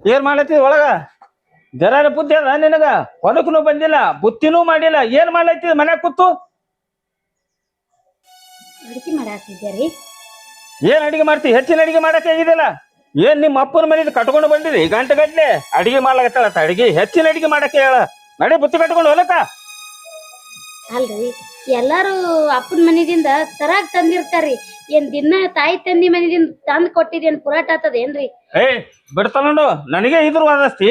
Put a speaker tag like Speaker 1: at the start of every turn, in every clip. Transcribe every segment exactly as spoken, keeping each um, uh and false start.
Speaker 1: ಏನ್ ಮಾಡ್ಲತ್ತಿ ಒಳಗ ಜರ ಬುದ್ಧಿ ಅದ ನಿನಗ ಹೊಲಕ್ಕೂ ಬಂದಿಲ್ಲ ಬುತ್ತಿನೂ ಮಾಡಿಲ್ಲ ಏನ್ ಮಾಡ್ಲತ್ತಿ ಮನ್ಯಾಗ ಕೂತು
Speaker 2: ಅಡಿಗೆ ಮಾಡಾತಿದ್ದೀರಿ
Speaker 1: ಏನ್ ಅಡಿಗೆ ಮಾಡ್ತಿ ಹೆಚ್ಚಿನ ಅಡಿಗೆ ಮಾಡಕ್ ಆಗಿದಿಲ್ಲ ಏನ್ ನಿಮ್ಮ ಅಪ್ಪನ ಮನೇಲಿ ಕಟ್ಕೊಂಡು ಬಂದಿರಿ ಗಂಟೆ ಗಟ್ಲೆ ಅಡಿಗೆ ಮಾಡ್ಲಾಕತ್ತಾಳ ಅಡಿಗೆ ಹೆಚ್ಚಿನ ಅಡಿಗೆ ಮಾಡಕ್ಕೆ ಹೇಳ ನಡಿ ಬುತ್ತಿ ಕಟ್ಕೊಂಡು ಹೊಲಕ್ಕ
Speaker 2: ಅಲ್ರಿ ಎಲ್ಲಾರು ಅಪ್ಪನ ಮನೆದಿಂದ ತರಾಗ್ ತಂದಿರ್ತಾರ್ರಿ ಏನ್ ದಿನ ತಾಯಿ ತಂದಿ ಮನೆದಿಂದ ತಂದ್ ಕೊಟ್ಟಿದೇನ್ ಪುರಾಟ ಆತದೇನ್ರಿ
Speaker 1: ಏ ಬಿಡ್ತಾನೋಡು ನನಗೆ ಇದ್ರ ವಾದಸ್ತಿ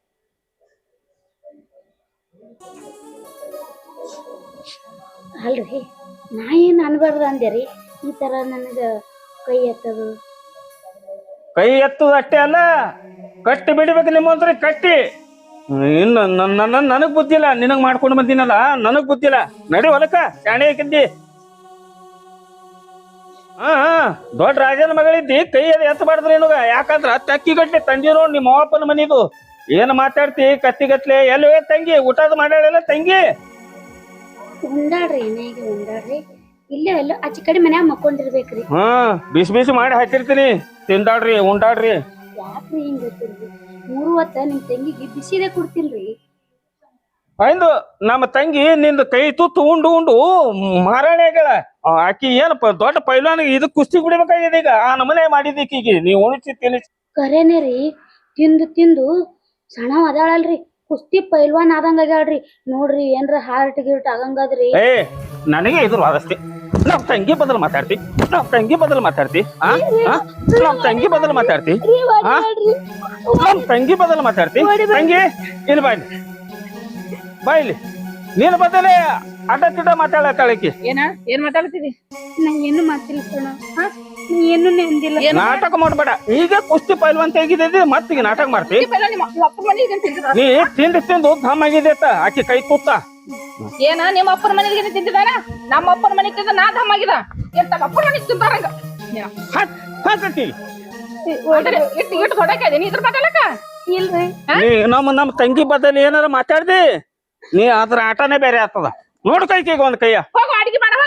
Speaker 2: ಅಲ್ರಿ ನಾ ಏನ್ ಅನ್ಬಾರ್ದು ಅಂದೇರಿ ಈ ತರ ನನಗ ಕೈ ಎತ್ತದು
Speaker 1: ಕೈ ಎತ್ತದ ಅಷ್ಟೇ ಅಲ್ಲ ಕಟ್ಟಿ ಬಿಡ್ಬೇಕು ನಿಮ್ಮಂತ್ರಿ ಕಟ್ಟಿ ಇನ್ನು ನನ್ನ ನನಗ್ ಬುದ್ಧಿಲ್ಲ ನಿನಗ್ ಮಾಡ್ಕೊಂಡು ಬಂದಿನಲ್ಲ ನನಗ್ ಬುದ್ಧಿಲ್ಲ ನಡಿ ಹೊಲಕ್ಕ ಶಾಣೆ ಹಾಕಿದ್ದಿ ಹಾ ಹಾ ದೊಡ್ಡ ರಾಜನ ಮಗಳಿದ್ದಿ ಕೈ ಅದು ಎತ್ತಬಾರ್ದ್ರಿ ನಿನಗ ಯಾಕಂದ್ರ ತಕ್ಕಿ ಗಟ್ಲೆ ತಂದಿ ನೋಡ್ ನಿಮ್ಮ ಅಪ್ಪನ ಮನಿದು ಏನ್ ಮಾತಾಡ್ತಿ ಕತ್ತಿಗತ್ಲೆ ಎಲ್ಲಿ ತಂಗಿ ಊಟದ ಮಾಡ್ಯಾಳಲ್ಲ ತಂಗಿ
Speaker 2: ಉಂಡಾಡ್ರಿ ಏನಾಗಿ ಉಂಡಾಡ್ರಿ ಇಲ್ಲೇ ಎಲ್ಲ ಆಚೆ ಕಡೆ ಮನ್ಯಾಗ ಮಕ್ಕೊಂಡಿರ್ಬೇಕ್ರಿ
Speaker 1: ಹಾ ಬಿಸಿ ಬಿಸಿ ಮಾಡಿ ಹಾಕಿರ್ತೀನಿ ತಿಂದಾಡ್ರಿ ಉಂಡಾಡ್ರಿ
Speaker 2: ಯಾಕ್ರಿ ಹಿಂಗ್ ಗೊತ್ತಿಲ್ರಿ ಮೂರು ಹೊತ್ತ ನಿಮ್ ತಂಗಿಗೆ ಬಿಸಿದೇ ಕೊಡ್ತಿಲ್ರಿ
Speaker 1: ಆಯ್ತು ನಮ್ಮ ತಂಗಿ ನಿಂದ ಕೈ ತುತ್ತು ಉಂಡು ಉಂಡು ಮಾರಾಣಿ ಆಗ್ಯಾಳ ಆಕಿ ಏನಪ್ಪ ದೊಡ್ಡ ಪೈಲಾನ ಇದಕ್ ಕುಸ್ತಿ ಬಿಡ್ಬೇಕಾಗಿದೆ ಈಗ ಆ ನಮನೆ ಮಾಡಿದೀಕಿಗೆ ನೀವು ಉಣಿಸಿ ತಿನ್ನಿಸಿ
Speaker 2: ಕರೇನೆ ರೀ ತಿಂದು ತಿಂದು ಸಣ್ಣ ಅದಾಳಲ್ರಿ ಕುಸ್ತಿ ಪೈಲ್ವಾನ್ ಆದಂಗ ಆಗ್ಯಾಳ್ರಿ ನೋಡ್ರಿ ಏನ್ರ ಹಾರ್ಟ್ ಗಿರ್ಟ್ ಆಗಂಗದ್ರಿ
Speaker 1: ಏ ನನಗೆ ಇದ್ರ ವಾದಸ್ತಿ ನಮ್ ತಂಗಿ ಬದಲು ಮಾತಾಡ್ತಿ ನಮ್ ತಂಗಿ ಬದಲು ಮಾತಾಡ್ತಿ ಆ ನಮ್ ತಂಗಿ ಬದಲು ಮಾತಾಡ್ತಿ ಆ ನಮ್ ತಂಗಿ ಬದಲು ಮಾತಾಡ್ತಿ ತಂಗಿ ಇಲ್ಲಿ ಬಾಯ್ಲಿ ಬಾಯ್ಲಿ ನೀನು ಬದಲೇ ಅಡ್ಡ ತಿಡ್ಡ ಮಾತಾಡತ್ತಾಳಕಿ
Speaker 3: ಏನ ಏನ್ ಮಾತಾಡ್ತಿದಿ
Speaker 2: ನಾ ಏನು ಮಾತಿಲ್ಲ ಕಣ ನೀ ಏನು ನೆಂದಿಲ್ಲ
Speaker 1: ನಾಟಕ ಮಾಡ್ಬೇಡ ಈಗ ಕುಸ್ತಿ ಪೈಲ್ವಾನ್ ತೆಗಿದಿದ್ದಿ ಮತ್ತೀಗ ನಾಟಕ ಮಾಡ್ತಿ ನೀ ತಿಂದು ತಿಂದು ಧಮ್ ಆಗಿದೆ ಆಕಿ ಕೈ ತುತ್ತ
Speaker 3: ಏನ ನಿಮ್ಮ ಅಪ್ಪನ ಮನೆಗೆ ತಿಂತಿದಾರ ನಮ್ಮ ಅಪ್ಪನ ಮನೆಗೆ ತಿಂದ ನಾ ಧಮ್ ಆಗಿದ ಏನ್ ತಮ್ಮ ಅಪ್ಪನ ಮನೆಗೆ ತಿಂತಾರಂಗ
Speaker 1: ಹಾಕಿ
Speaker 3: ಇಟ್ಟು ಇಟ್ಟು ಹೊಡಕ ನೀ ಇದ್ರ ಮಾತಾಡಕ
Speaker 2: ಇಲ್ರಿ
Speaker 1: ನೀ ನಮ್ಮ ನಮ್ಮ ತಂಗಿ ಬದಲು ಏನಾರ ಮಾತಾಡ್ದಿ ನೀ ಅದ್ರ ಆಟನೇ ಬೇರೆ ಆಗ್ತದ ನೋಡ್ ಕೈಕೀಗ ಒಂದ್ ಕೈಯ
Speaker 3: ಹೋಗು ಅಡಿಗೆ ಮಾಡ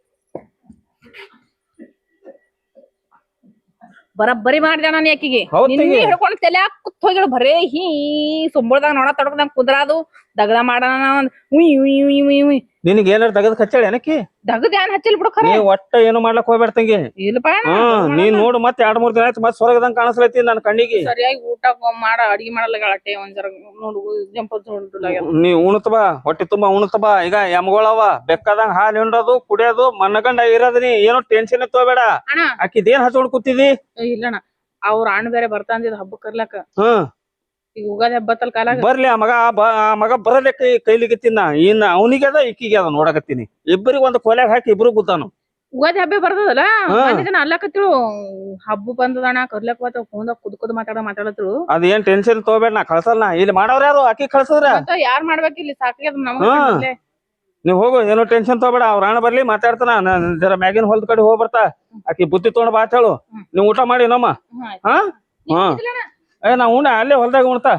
Speaker 3: ಬರಬ್ಬರಿ ಮಾಡಿದ ನಾನು ಯಾಕಿಗೆ ನಿನ್ನೆ ಹಿಡ್ಕೊಂಡು ತಲೆ ಕುತ್ ಹೋಗಿಳು ಬರೇ ಹೀ ಸುಂಬಳದಾಗ ನೋಡ ತಡಕದಂಗ ಕುದ್ರಾದು ದಗದ ಮಾಡೋಣ ಉಯ್ ಉಯ್ ಉಯ್ ಉಯ್ ಉಯ್
Speaker 1: ನಿನಗೆ ಏನಾರ ತಗದ್ ಕಚ್ಚಾಳ ಏನಕ್ಕಿ
Speaker 3: ದಗದ ಏನ್ ಹಚ್ಚಿಲ್ ಬಿಡು ಖರೆ
Speaker 1: ನೀ ಒಟ್ಟ ಏನು ಮಾಡ್ಲಕ್ ಹೋಗ್ಬೇಡ ತಂಗಿ
Speaker 3: ಇಲ್ಲಪ್ಪ
Speaker 1: ಹ್ಮ್ ನೀನ್ ನೋಡು ಮತ್ತೆ ಎರಡ್ ಮೂರ್ ದಿನ ಆಯ್ತು ಮತ್ ಸ್ವರ್ಗದಂಗ ಕಾಣಿಸ್ಲೈತಿ ನನ್ ಕಣ್ಣಿಗೆ
Speaker 3: ಸರಿಯಾಗಿ ಊಟ ಮಾಡ ಅಡಿಗೆ ಮಾಡಲ್ಲ ಅಟ್ಟೆ ಒಂದ್ ಜರ ನೋಡು ಜಂಪ
Speaker 1: ನೀ ಉಣತ್ ಬಾ ಹೊಟ್ಟೆ ತುಂಬಾ ಉಣತ್ ಬಾ ಈಗ ಎಮ್ಗೊಳವ ಬೆಕ್ಕದಂಗ ಹಾಲು ಹಿಂಡೋದು ಕುಡಿಯೋದು ಮನ್ನಗಂಡ ಇರೋದ್ ನೀ ಏನೋ ಟೆನ್ಷನ್ ತಗೋಬೇಡ ಆಕಿದೇನ್ ಹಚ್ಕೊಂಡ್ ಕೂತಿದಿ
Speaker 3: ಇಲ್ಲಣ್ಣ ಅವ್ರ ಅಣ್ಣ ಬೇರೆ ಬರ್ತಾ ಅಂದಿದ್ ಹಬ್ಬ ಕರ್ಲಕ
Speaker 1: ಹ್ಮ್
Speaker 3: ಈಗ ಉಗಾದಿ ಹಬ್ಬತ್ತಲ್ ಕಾಲಾಗ
Speaker 1: ಬರ್ಲಿ ಆ ಮಗ ಆ ಮಗ ಬರಲೆ ಕೈ ಕೈಲಿಗತ್ತಿನ ಇನ್ನ ಅವನಿಗೆ ಅದ ಈಕಿಗೆ ಅದ ನೋಡಕತ್ತೀನಿ ಇಬ್ಬರಿಗೆ ಒಂದು ಕೊಲೆಗ್ ಹಾಕಿ ಇಬ್ರು ಕೂತಾನು
Speaker 3: ಉಗಾದಿ ಹಬ್ಬ ಬರ್ತದಲ್ಲ ಜನ ಅಲ್ಲಕತ್ತಿಳು ಹಬ್ಬ ಬಂದದಣ್ಣ ಕರ್ಲಕ್ ಬತ್ತ ಫೋನ್ದಾಗ ಕುದ್ ಕುದ್ ಮಾತಾಡ ಮಾತಾಡತ್ರು
Speaker 1: ಅದೇನ್ ಟೆನ್ಷನ್ ತಗೋಬೇಡ ನಾ ಕಳ್ಸಲ್ಲ ಇಲ್ಲಿ ಮಾಡವ್ರ ಯಾರು ಆಕಿ ಕಳ್ಸದ್ರ
Speaker 3: ಯಾರ್ ಮಾಡ್ಬೇಕ ಇಲ್ಲಿ ಸಾಕಾಗ್ಯದ ನಮಗ
Speaker 1: ನೀವ್ ಹೋಗು ಏನೋ ಟೆನ್ಷನ್ ತಗೋಬೇಡ ಅವ್ರ ಅಣ್ಣ ಬರ್ಲಿ ಮಾತಾಡ್ತಾನ ಜರ ಮ್ಯಾಗಿನ ಹೊಲ್ದ ಕಡೆ ಹೋಗ್ ಬರ್ತಾ ಆಕಿ ಬುತ್ತಿ ತಗೊಂಡ್ ಬಾ ಹೇಳು ನೀವ್ ಊಟ ಮಾಡಿ ನಮ್ಮ ಹಾ ಹಾ ಏ ನಾ ಉಣ್ಣ ಅಲ್ಲೇ ಹೊಲ್ದಾಗ ಉಣ್ತಾ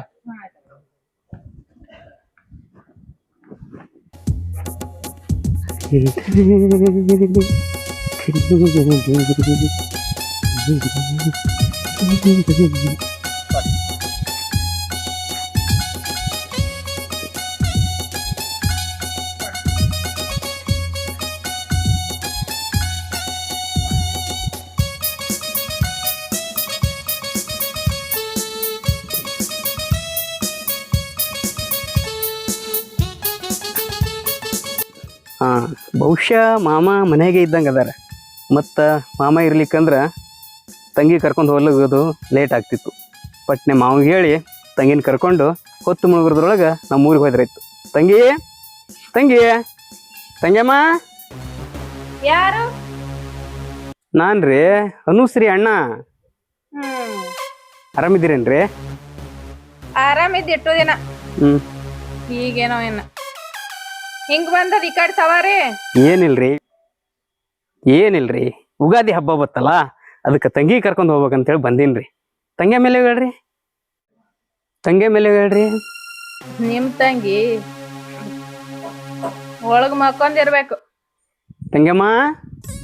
Speaker 4: ಹಾಂ ಬಹುಶಃ ಮಾಮ ಮನೆಗೆ ಇದ್ದಂಗೆ ಅದಾರ ಮತ್ತು ಮಾಮ ಇರ್ಲಿಕ್ಕಂದ್ರೆ ತಂಗಿ ಕರ್ಕೊಂಡು ಹೋಗ್ಲೋಗೋದು ಲೇಟ್ ಆಗ್ತಿತ್ತು ಪಟ್ನೆ ಮಾವಿಗೆ ಹೇಳಿ ತಂಗಿನ ಕರ್ಕೊಂಡು ಹೊತ್ತು ಮುಳುಗುರದ್ರೊಳಗೆ ನಮ್ಮ ಊರಿಗೆ ಹೋದ್ರಾಯ್ತು ತಂಗಿ ತಂಗಿ ತಂಗ್ಯಮ್ಮ
Speaker 3: ಯಾರು
Speaker 4: ನಾನು ರೀ ಅನುಶ್ರೀ ಅಣ್ಣ ಆರಾಮಿದ್ದೀರೇನ್ರಿ
Speaker 3: ಆರಾಮಿದ್ ಎಷ್ಟೋ ದಿನ
Speaker 4: ಹ್ಞೂ
Speaker 3: ಈಗೇನೋ ಏನ ಹಿಂಗ್ ಬಂದದ ಈ ಕಡೆ ಸವಾರಿ
Speaker 4: ಏನಿಲ್ರಿ ಏನಿಲ್ರಿ ಉಗಾದಿ ಹಬ್ಬ ಬತ್ತಲ್ಲ ಅದಕ್ಕೆ ತಂಗಿ ಕರ್ಕೊಂಡು ಹೋಗ್ಬೇಕಂತೇಳಿ ಬಂದೀನಿ ತಂಗಿ ಮೇಲೆ ಹೇಳ್ರಿ ತಂಗಿ ಮೇಲೆ ಹೇಳ್ರಿ
Speaker 3: ನಿಮ್ ತಂಗಿ ಒಳಗ್ ಮಕ್ಕೊಂದಿರ್ಬೇಕು
Speaker 4: ತಂಗಮ್ಮ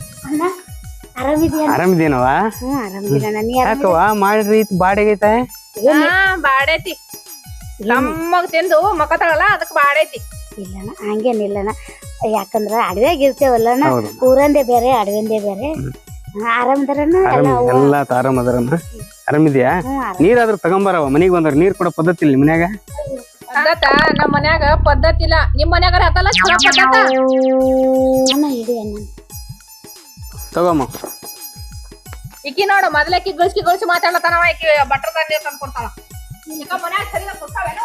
Speaker 2: ಆರಾಮಿದ್ಯಾ
Speaker 4: ಆರಾಮಿದೇನವ
Speaker 2: ಹ್ಮ್ ಆರಾಮಿದ್ದೀನ ನೀ
Speaker 4: ಯಾಕವ ಮಾಡ್ರಿ ಬಾಡಿಗೈತೆ
Speaker 3: ಹಾ ಬಾಡೈತಿ ನಮ್ಮಗ್ ತಿಂದು ಮಕ್ಕತಾಳಲ್ಲ ಅದಕ್ ಬಾಡೈತಿ.
Speaker 2: ಇಲ್ಲಣ್ಣ ಹಂಗೇನಿಲ್ಲಣ್ಣ, ಯಾಕಂದ್ರ ಅಡವ್ಯಾಗ ಇರ್ತೇವಲ್ಲಣ್ಣ,
Speaker 4: ಹೌದು.
Speaker 2: ಊರಂದೇ ಬೇರೆ ಅಡವಿಂದೇ ಬೇರೆ. ಆರಾಮದಾರಣ್ಣ ಎಲ್ಲ?
Speaker 4: ಆರಾಮ್ ಎಲ್ಲಾ ಆರಾಮ್ ಅದಾರಮ್ಮ. ಆರಾಮಿದ್ಯಾ? ನೀರಾದ್ರೂ ತಗೊಂಬಾರವ, ಮನಿಗ್ ಬಂದ್ರ ನೀರ್ ಕೊಡೋ ಪದ್ಧತಿ ಇಲ್ಲ ಮನ್ಯಾಗ.
Speaker 3: ಪದ್ಧತ ನಮ್ ಮನ್ಯಾಗ ಪದ್ಧತಿ ಇಲ್ಲ, ನಿಮ್ ಮನ್ಯಾಗ ಹತ್ತಲ್ಲ ಚಲೋ ಪದ್ಧತ.
Speaker 2: ಅಣ್ಣ ಇಡಿ ಅಣ್ಣ.
Speaker 4: ತಗೋಮ್ಮ.
Speaker 3: ಇಕ್ಕಿ ನೋಡು ಮೊದ್ಲೇ ಕಿಗ್ಗಳಿಸಿ ಗಳಿಸಿ ಮಾತಾಡ್ಲತ್ತಾನವ, ಈಕಿ ಬಟ್ರದ ನೀರ್ ತಂದ್ ಕೊಡ್ತಾಳ. ಈಗ ಮನ್ಯಾಗ ಸರಿಯಾಗಿ ಕೊಡ್ತಾವೇನು?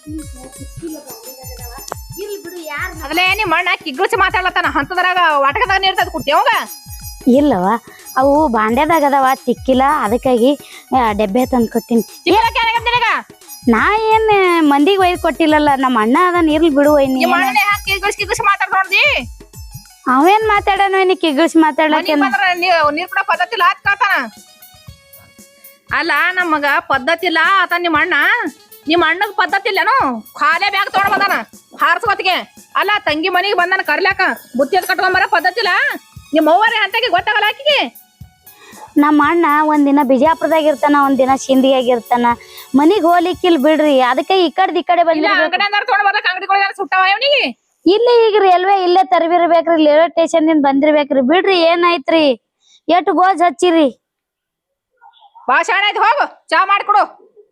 Speaker 2: ಇರ್ಲಿ ಬಿಡು, ಯಾರ್
Speaker 3: ಮೊದಲೇ ನಿಮ್ ಅಣ್ಣ ಕಿಗ್ಗಳಿಸಿ ಮಾತಾಡ್ಲತ್ತಾನ, ಹಂತದ್ರಾಗ ವಾಟಕದಾಗ ನೀರ್ ತಂದ್ ಕೊಡ್ತೀವಂಗ.
Speaker 2: ಇಲ್ಲವ, ಅವು ಬಾಂಡ್ಯದಾಗ ಅದಾವ, ತಿಕ್ಕಿಲ್ಲ, ಅದಕ್ಕಾಗಿ ಡೆಬ್ಬೆ ತಂದು ಕೊಟ್ಟಿನಿ. ನಾ ಏನ್ ಮಂದಿಗೆ ಒಯ್ದು ಕೊಟ್ಟಿಲ್ಲಲ್ಲ, ನಮ್ಮ ಅಣ್ಣ ಅದನ್ನ ಇರ್ಲಿ ಬಿಡು.
Speaker 3: ನಿಮ್ ಅಣ್ಣನೇ ಹಾಕಿ ಕಿಗ್ಗಳಿಸಿ ಕಿಗ್ಗಳಿಸಿ ಮಾತಾಡ್ ನೋಡ್ದಿ.
Speaker 2: ಅವೇನ್ ಮಾತಾಡೋಣ ನೀ ಕಿಗ್ಗಿಳ್ಸಿ ಮಾತಾಡ್ಲಕ್ಕೆ?
Speaker 3: ನೀರ್ ಕೂಡ ಪದ್ಧತಿ ಇಲ್ಲ ಅತ್ ಕಾತಾನ. ಅಲ್ಲ ನಮಗ ಪದ್ಧತಿ ಇಲ್ಲ ಆತ ನಿಮ್ ಅಣ್ಣ, ನಿಮ್ ಅಣ್ಣಗ್ ಪದ್ಧತಿ ಇಲ್ಲೇನು? ಖಾಲಿ ಬ್ಯಾಗ್ ತಗೊಂಡ್ ಬಂದಾನ ಹಾರ್ಸ್ಕೊತಿಗೆ. ಅಲ್ಲ ತಂಗಿ ಮನಿಗೆ ಬಂದಾನ ಕರ್ಲಾಕ, ಬುತ್ತಿ ಎತ್ ಕಟ್ಕೊಂಬರ ಪದ್ಧತಿ ಇಲ್ಲ. ನಿಮ್ ಅವ್ವರೇ ಅಂತಕ್ಕೆ ಗೊತ್ತಾಗಲ್ಲ ಆಕಿಗೆ.
Speaker 2: ನಮ್ಮ ಅಣ್ಣ ಒಂದಿನ ಬಿಜಾಪುರದಾಗ ಇರ್ತಾನ, ಒಂದಿನ ಶಿಂದಿಯಾಗ ಇರ್ತಾನ, ಮನಿಗ್ ಹೋಗ್ಲಿಕ್ಕಿಲ್ ಬಿಡ್ರಿ. ಅದಕ್ಕೆ ಈ ಕಡೆ ಈ ಕಡೆ ಬಂದಿಲ್ಲ.
Speaker 3: ಅಂಗಡಿ ತಗೊಂಡ್ ಬರ್ಲಕ್ ಅಂಗಡಿಗಳಿಗೆ ಸುಟ್ಟಾವ ಇವನಿಗೆ.
Speaker 2: ಇಲ್ಲಿ ಈಗ ರೈಲ್ವೆ ಇಲ್ಲೇ ತರಬಿರ್ಬೇಕ್ರಿ, ರೈಲ್ವೆ ಸ್ಟೇಷನ್ ದಿಂದ ಬಂದಿರ್ಬೇಕ್ರಿ. ಬಿಡ್ರಿ ಏನಾಯ್ತ್ರಿ, ಎಷ್ಟು ಗೋಜ್ ಹಚ್ಚಿರಿ.
Speaker 3: ಭಾಷಣ ಆಯ್ತು, ಹೋಗು ಚಾ ಮಾಡ್ಕೊಡು.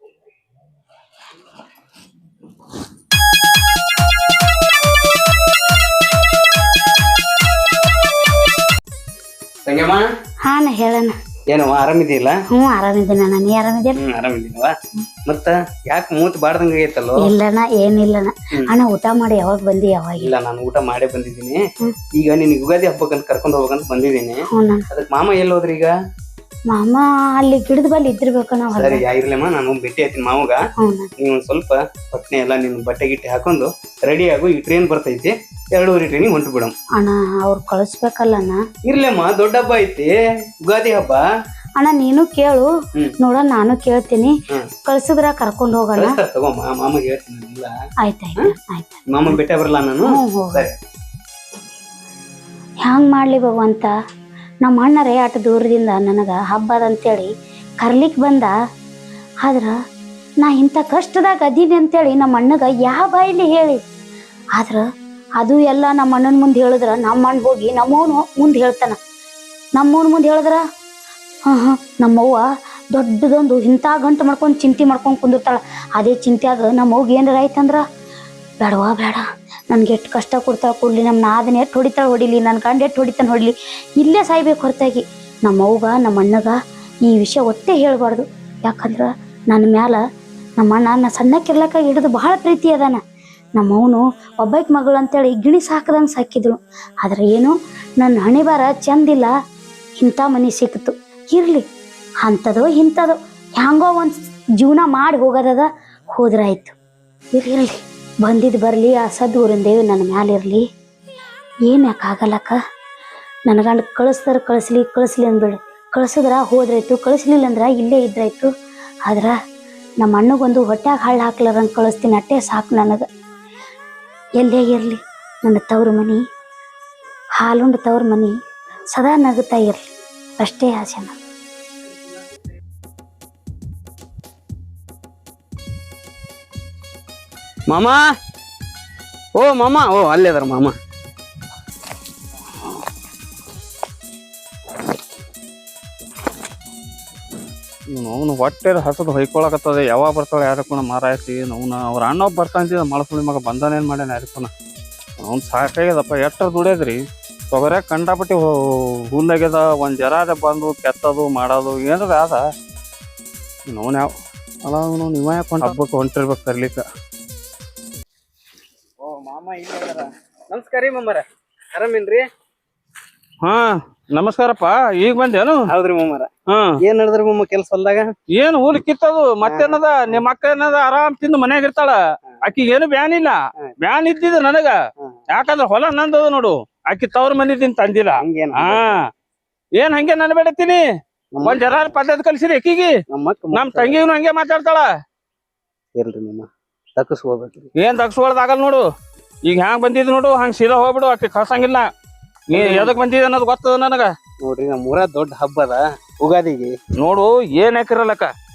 Speaker 4: ತಂಗಮ್ಮ
Speaker 2: ಹಾ ನಾ ಹೇಳಣ್ಣ.
Speaker 4: ಏನವ ಆರಾಮಿದೆಯಲ್ಲ?
Speaker 2: ಹ್ಞೂ ಆರಾಮಿದ್ದೀನಿ ಅಣ್ಣ, ನೀ ಆರಾಮಿದ್ದೀರಿ?
Speaker 4: ಹ್ಮ್ ಆರಾಮಿದ್ದೀನವ. ಮತ್ತ ಯಾಕೆ ಮೂತ್ ಬಾಡ್ದಂಗ ಆಗೈತಲ್ಲೋ?
Speaker 2: ಇಲ್ಲಣ್ಣ ಏನಿಲ್ಲಣ್ಣ. ಅಣ್ಣ ಊಟ ಮಾಡಿ ಯಾವಾಗ ಬಂದಿ? ಯಾವಾಗ?
Speaker 4: ಇಲ್ಲ ನಾನು ಊಟ ಮಾಡೇ ಬಂದಿದ್ದೀನಿ. ಈಗ ನಿನ್ ಯುಗಾದಿ ಹಬ್ಬಕ್ಕಂತ ಕರ್ಕೊಂಡ್ ಹೋಗ್ಬೇಕಂತ ಬಂದಿದ್ದೀನಿ. ಅದಕ್ ಮಾಮ ಎಲ್ಲಿ ಹೋದ್ರಿ ಈಗ?
Speaker 2: ಮಾಮ ಅಲ್ಲಿ ಗಿಡದ ಬಲ್ಲಿ ಇದ್ದಿರ್ಬೇಕಣ್ಣ.
Speaker 4: ಸರಿ ಇರ್ಲಮ್ಮ, ನಾನು ಭೇಟಿ ಆಯ್ತೀನಿ ಮಾವಗ. ನೀವ್ ಒಂದ್ ಸ್ವಲ್ಪ ಪಟ್ನೆ ಎಲ್ಲ ನಿನ್ ಬಟ್ಟೆ ಗಿಟ್ಟೆ ಹಾಕೊಂಡು ರೆಡಿ ಆಗು, ಈ ಟ್ರೈನ್ ಬರ್ತೈತಿ, ಎರಡೂವರೆ ಟ್ರೈನಿಗೆ ಹೊಂಟು ಬಿಡಮ್.
Speaker 2: ಅಣ್ಣ ಅವ್ರು ಕಳಿಸ್ಬೇಕಲ್ಲಣ್ಣ.
Speaker 4: ಇರ್ಲಮ್ಮ, ದೊಡ್ಡ ಹಬ್ಬ ಐತಿ ಯುಗಾದಿ ಹಬ್ಬ.
Speaker 2: ಅಣ್ಣ ನೀನು ಕೇಳು, ನೋಡ ನಾನು ಕೇಳ್ತೀನಿ. ಕಳ್ಸಿದ್ರ ಕರ್ಕೊಂಡ್ ಹೋಗೋಣ.
Speaker 4: ತಗೋ ಮಾಮಗೆ ಹೇಳ್ತೀನಿ. ಇಲ್ಲ
Speaker 2: ಆಯ್ತಾಯ್ತು ಆಯ್ತು.
Speaker 4: ಮಾಮ ಭೇಟಿ ಬರಲ್ಲ ನಾನು. ಸರಿ
Speaker 2: ಹ್ಯಾಂಗ್ ಮಾಡ್ಲಿ ಭಗವಂತ, ನಮ್ಮ ಅಣ್ಣರೇ ಅಟ್ ದೂರದಿಂದ ನನಗ ಹಬ್ಬದ ಅಂತೇಳಿ ಕರ್ಲಿಕ್ ಬಂದ. ಆದ್ರ ನಾ ಇಂಥ ಕಷ್ಟದಾಗ ಅದೀನಿ ಅಂತೇಳಿ ನಮ್ಮ ಅಣ್ಣಗ ಯಾವ ಬಾಯಿಲಿ ಹೇಳಿ. ಆದ್ರ ಅದು ಎಲ್ಲ ನಮ್ಮ ಅಣ್ಣನ ಮುಂದೆ ಹೇಳಿದ್ರ ನಮ್ಮ ಅಣ್ಣ ಹೋಗಿ ನಮ್ಮವನು ಮುಂದೆ ಹೇಳ್ತಾನ. ನಮ್ಮವನ ಮುಂದೆ ಹೇಳಿದ್ರ ಹಾ ಹಾ ನಮ್ಮವ್ವ ದೊಡ್ಡದೊಂದು ಇಂಥ ಗಂಟು ಮಾಡ್ಕೊಂಡು ಚಿಂತೆ ಮಾಡ್ಕೊಂಡು ಕುಂದಿರ್ತಾಳ. ಅದೇ ಚಿಂತೆ ಆಗ ನಮ್ಮವ್ಗೆ ಏನಾರ ಆಯ್ತಂದ್ರ ಬೇಡವಾ ಬೇಡ, ನನ್ಗೆ ಎಷ್ಟು ಕಷ್ಟ ಕೊಡ್ತಾಳೆ ಕೊಡ್ಲಿ, ನಮ್ಮ ನಾದನ ಎಷ್ಟು ಹೊಡಿತಾಳೆ ಹೊಡಿಲಿ, ನನ್ನ ಗಂಡ ಎಷ್ಟು ಹೊಡಿತಾನೆ ಹೊಡಿಲಿ, ಇಲ್ಲೇ ಸಾಯ್ಬೇಕು ಹೊರತಾಗಿ ನಮ್ಮ ಅವ್ಗ ನಮ್ಮ ಅಣ್ಣಗ ಈ ವಿಷಯ ಒಟ್ಟೆ ಹೇಳ್ಬಾರ್ದು. ಯಾಕಂದ್ರೆ ನನ್ನ ಮ್ಯಾಲ ನಮ್ಮ ಅಣ್ಣ ನಾ ಸಣ್ಣಕ್ಕಿರ್ಲಕ್ಕ ಹಿಡಿದು ಭಾಳ ಪ್ರೀತಿ ಅದಾನ. ನಮ್ಮವನು ಒಬ್ಬಾಕಿ ಮಗಳು ಅಂತೇಳಿ ಗಿಣಿ ಸಾಕದಂಗೆ ಸಾಕಿದ್ರು. ಆದ್ರೆ ಏನು ನನ್ನ ಹಣೆ ಬಾರ ಚಂದಿಲ್ಲ, ಇಂಥ ಮನೆ ಸಿಕ್ತು. ಇರಲಿ ಅಂಥದೋ ಇಂಥದೋ ಹ್ಯಾಂಗೋ ಒಂದು ಜೀವನ ಮಾಡಿ ಹೋಗೋದದ, ಹೋದ್ರಾಯ್ತು. ಇರ್ಲಿ ಇರಲಿ, ಬಂದಿದ್ದು ಬರಲಿ, ಆ ಸದ್ಗುರಿಂದೇವಿ ನನ್ನ ಮ್ಯಾಲಿರಲಿ. ಏನು ಯಾಕೆ ಆಗಲ್ಲಕ್ಕ, ನನ್ನ ಗಂಡ ಕಳಿಸ್ದಾರ ಕಳಿಸ್ಲಿ ಕಳಿಸ್ಲಿ ಅಂದ್ಬಿಡು. ಕಳಿಸಿದ್ರ ಹೋದ್ರಾಯ್ತು, ಕಳಿಸ್ಲಿಲ್ಲ ಅಂದ್ರೆ ಇಲ್ಲೇ ಇದ್ರಾಯ್ತು. ಆದ್ರೆ ನಮ್ಮ ಅಣ್ಣಗೊಂದು ಹೊಟ್ಯಾಗ ಹಳ್ಳ ಹಾಕ್ಲಾರಂಗೆ ಕಳಿಸ್ತೀನಿ, ಅಟ್ಟೆ ಸಾಕು ನನಗೆ. ಎಲ್ಲೇ ಇರಲಿ ನನ್ನ ತವ್ರ ಮನೆ, ಹಾಲುಂಡ ತವ್ರ ಮನೆ ಸದಾ ನಗುತ್ತಾ ಇರಲಿ, ಅಷ್ಟೇ ಆಸೆ ನಾನು.
Speaker 4: ಮಾಮ, ಓ ಮಾಮ, ಓ ಅಲ್ಲೇ ಅದಾರ ಮಾಮ.
Speaker 1: ಅವನು ಹೊಟ್ಟೆ ಹಸದು ಹೊಯ್ಕೊಳಕತ್ತದ, ಯಾವಾಗ ಬರ್ತಾಳೆ ಯಾರಕ್ಕೂನ ಮಾರಾಯ್ತಿ. ಅವನ ಅವ್ರ ಅಣ್ಣ ಬರ್ತಾಂತಿದ ಮಳಸುಳಿ ಮಗ ಬಂದಾನೇನು ಮಾಡ್ಯಾನ ಯಾರಕ್ಕೂನ. ಅವ್ನು ಸಾಕಾಗ್ಯದಪ್ಪ, ಎಷ್ಟರ ದುಡಿಯದ್ರಿ. ತೊಗರ್ಯಾಗ ಕಂಡಾಪಟ್ಟಿ ಹುಲ್ಲಾಗ್ಯದ, ಒಂದು ಜರಾದ ಬಂದು ಕೆತ್ತದು ಮಾಡೋದು ಏನಾರ ಅದ. ಅವನು ಯಾವ ಅಲ್ಲ ಅವನು ನೀವ ಯಾಕೆ ಹೊಂಟ ಹಬ್ಬಕ್ಕೆ ಹೊಂಟಿರ್ಬೇಕು ತರ್ಲಿಕ್ಕೆ.
Speaker 4: ಓ ಮಾಮ ಇಲ್ಲ, ನಮಸ್ಕಾರ ರೀ ಮಾಮರ, ಆರಾಮೇನ್ರಿ?
Speaker 1: ಹಾ ನಮಸ್ಕಾರಪ್ಪ, ಈಗ ಬಂದೇನು?
Speaker 4: ಹೌದ್ರಿ ಮಾಮರ.
Speaker 1: ಹಾ
Speaker 4: ಏನ್ ನಡದ್ರಿ ಮಾಮ ಕೆಲ್ಸ ಹೊಲ್ದಾಗ?
Speaker 1: ಏನ್ ಹುಲ್ ಕಿತ್ತದು ಮತ್ತೇನದ? ನಿಮ್ಮ ಅಕ್ಕ ಏನದ ಆರಾಮ್ ತಿಂದು ಮನ್ಯಾಗ ಇರ್ತಾಳ. ಆಕಿಗೆ ಏನು ಬ್ಯಾನ್ ಇಲ್ಲ, ಬ್ಯಾನ್ ಇದ್ದಿದ ನನಗ. ಯಾಕಂದ್ರ ಹೊಲ ನಂದದ ನೋಡು, ಆಕಿ ತವ್ರ ಮನಿದಿನ್ ತಂದಿಲ್ಲ. ಹಾ ಏನ್ ಹಂಗೆ ನನ್ ಬೇಡತೀನಿ. ಒಂದ್ ಜರ ಪದ್ಧತಿ ಕಲ್ಸಿರಿ ಆಕಿಗೆ. ನಮ್ ತಂಗಿನು ಹಂಗೆ ಮಾತಾಡ್ತಾಳ.
Speaker 4: ಇಲ್ರಿ ಮಾಮ, ತಕ್ಕಸ್ಕೋಬೇಕ್ರಿ.
Speaker 1: ಏನ್ ತಗ್ಸ್ಕೊಳ್ದಾಗಲ್ ನೋಡು. ಈಗ ಹ್ಯಾಂಗ್ ಬಂದಿದ್ ನೋಡು, ಹಂಗ್ ಸೀದಾ ಹೋಗ್ಬಿಡು, ಆಕಿ ಕಳ್ಸಂಗಿಲ್ಲ. ನೀ ಎದಕ್ ಬಂದಿದ ಅನ್ನೋದು ಗೊತ್ತದ ನನಗ.
Speaker 4: ನೋಡ್ರಿ, ನಮ್ಮೂರ ದೊಡ್ಡ ಹಬ್ಬ ಅದ ಉಗಾದಿಗೆ.
Speaker 1: ನೋಡು ಏನ್ ಹಾಕಿರಲ್ಲಕ್ಕ,